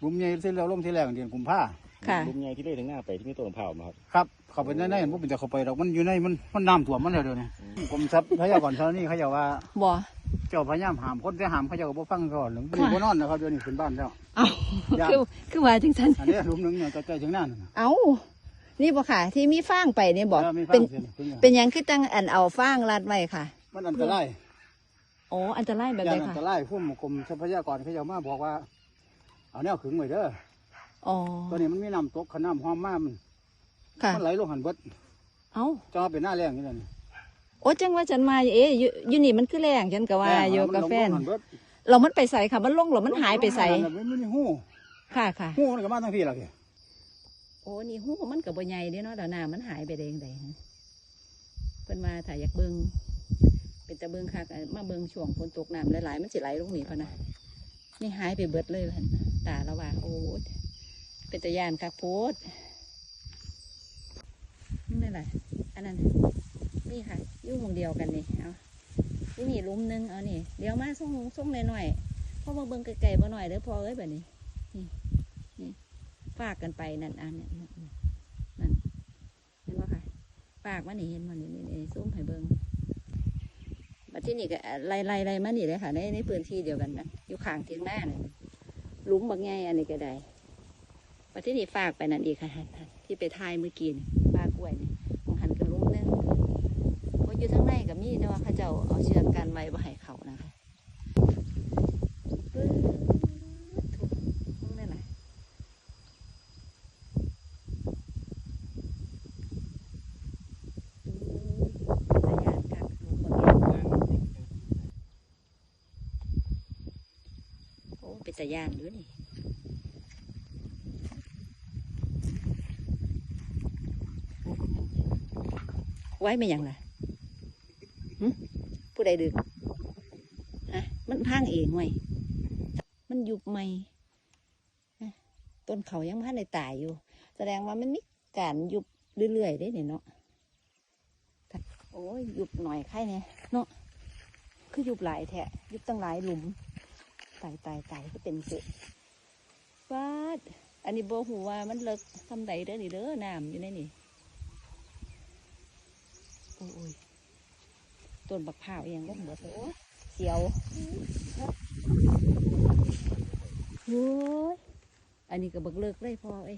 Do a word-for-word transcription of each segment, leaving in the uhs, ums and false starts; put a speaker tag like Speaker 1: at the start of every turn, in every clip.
Speaker 1: หลุมใหญ่ที่เราลงที่แรกเดือนกุมภา
Speaker 2: ค่ะ
Speaker 3: ลุมใหญ่ที่เลื่อยถึงหน้าไปที่มีต้นมะพร้าวมาครับ
Speaker 1: ครับเข้าไปในในมันเป็นแต่เข้าไปดอกมันอยู่ในมันมันน้ำท่วมมันแล้วเดี๋ยวนี้กรมทรัพยากรธรณีเขาจะว่า
Speaker 2: บ่
Speaker 1: เจ้าพยายามห้ามคนแต่ห้ามเขาเจ้าก็บ่ฟังก่อนหรือบ่นอนนะครับเดี๋ยวนี้ขึ้นบ้านแล้ว
Speaker 2: เอา
Speaker 1: ย่าน
Speaker 2: คือคือว่าจังซั่น
Speaker 1: อันนี้หลุมหนึงเนี่ยใกล้ๆถึงนั่นน่ะ
Speaker 2: เอานี่บ่ค่ะ ที่มีฟางไปนี่บ่
Speaker 1: เออมีฟาง
Speaker 2: เป็น
Speaker 1: เสียขึ้นเนี่ย
Speaker 2: เป็นหยังคือตั้งอันเอาฟางรัดไว้ค่ะ
Speaker 1: มันอันตราย
Speaker 2: โอ้อันตรายแบบ
Speaker 1: ย่า
Speaker 2: ใด
Speaker 1: นอั
Speaker 2: ค่ะ
Speaker 1: นตรายผู้กรมทรัพยากรเขาจะมาบอกว่าเอาแนวขึงไว้เด้อ
Speaker 2: อ๋อ
Speaker 1: ตัวนี้มันมีน้ำตกขน้ำห้อมมากมัน
Speaker 2: ค่ะ
Speaker 1: มันไหลลงหันเบิด
Speaker 2: เอา
Speaker 1: จะมาเป็นหน้าแรงนี่แหละนี่
Speaker 2: โอ้จังว่าฉันมาเอ๊ะอยู่อยู่นี่มันคือแรงฉันก็ว่าอยู่กับแฟน
Speaker 1: มัลงหัเบิด
Speaker 2: เรามันไปใส่ค่ะ มันลงหรือมันหายไปใส่
Speaker 1: มันไม่มีหู
Speaker 2: ค่ะค่ะ
Speaker 1: หูมันก็มาทั้งพี่ละพี่
Speaker 2: โอ้นี่หูมันกับบ่ใหญ่เด้เนาะเดี๋ยวน้ำมันหายไปได้ยังไงเพิ่นมาถ่ายอยากเบิ่งเป็นตะเบิ่งคักมาเบิ่งช่วงฝนตกน้ำหลายๆมันสิไหลลงนี่พะนะนี่หายไปเบิดเลยพันตาละว่าโอ้เป็นตะยานคักโพดนี่แหละอันนั้นนี่ค่ะอยู่หมู่เดียวกันนี่เอาที่นี่ลุมนึงเอานี่เดี๋ยวมาส่งส่งหน่อยๆเพราะมาเบิ่งไกลๆบ่หน่อยเด้อพอเอ้ยแบบนี้นี่นี่ฝากกันไปนั่นอันนี้นั่นเห็นว่าค่ะฝากมานี่เห็นมันนี่นี่ซุ้มให้เบิ่งมาที่นี่ก็ไล่ไล่ไล่มานี่เลยค่ะในในพื้นที่เดียวกันนะอยู่ข้างเทียงหน้าเนี่ยลุมบางไงอันนี้ก็ได้มาที่นี่ฝากไปนั่นอีกค่ะที่ไปทายเมื่อกี้นี่ฝากกล้วยนี่ของหันกันลุมนึงเพราะอยู่ทั้งในกับมีแต่ว่าเขาเจ้าเอาเชือกกันไว้บ่ให้เขานะคะปึ๊บถูกนั่นแหละเป็นตาย่านกักลุมบางไงโอ้เป็นตาย่านด้วยนี่ไว้ไม่ยังล่ะหึผู้ใดดึกฮะมันพังเองไว้มันยุบไหมฮะต้นเขายังพันในตายอยู่ แสดงว่ามันมีการยุบเรื่อยๆได้เนี่ยเนาะโอ้ยยุบหน่อยใครเนี่ยเนาะคือยุบหลายแทะยุบตั้งหลายหลุมตายตายตายก็เป็นสิฟาดอันนี้โบหูว่ามันเลิกทำใดเด้อนี่เด้อน้ำอยู่ในนี่โอ้ยต้นบักพร้าวเองก็หมดเลยโอ้เสียวโอ้ยอันนี้ก็บักเลิกเลยพอเอ้ย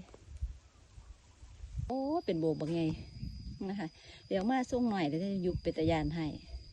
Speaker 2: โอ้เป็นโบบักไงนะคะเดี๋ยวมาส่งหน่อยแล้วจะยุบเป็นตะยานให้